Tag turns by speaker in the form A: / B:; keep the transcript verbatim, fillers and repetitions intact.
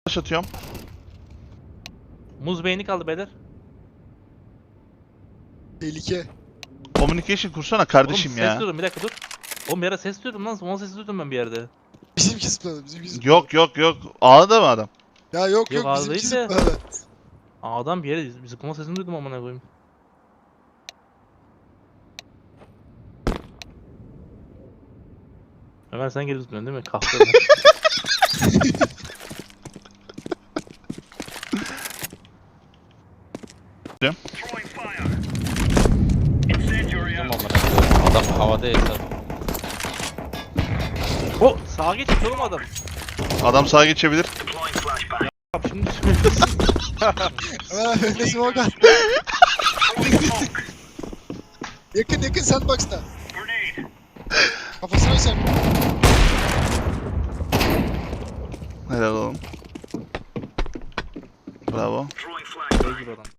A: Taş atıyorum.
B: Muz beyni kaldı beyler.
C: Tehlike.
A: Communication kursana kardeşim
B: Oğlum, ses
A: ya.
B: duydum bir dakika dur. Oğlum bir ara ses duydum lan. Son sesi duydum ben bir yerde.
C: Bizimki zıpladı. Bizimki zıpladı.
A: Yok yok yok. A'da mı adam?
C: Ya yok
B: Yok,
C: yok
B: ağır
C: bizimki
B: değil de.
C: zıpladı.
B: Adam bir yere zıplama sesini duydum amına koyayım. Ömer sen geri zıplıyorsun değil mi? Kahve Ömer.
D: Tamam amına. Adam havada esas.
B: O sağa geç oğlum adam.
A: Adam sağa geçebilir.
B: Bak şimdi söylüyorsun.
C: Hemen öyle smoke at. Yakın yakın sandbox'ta. Kafasına sen.
A: Helal oğlum. Bravo.
B: Şey gibi adam.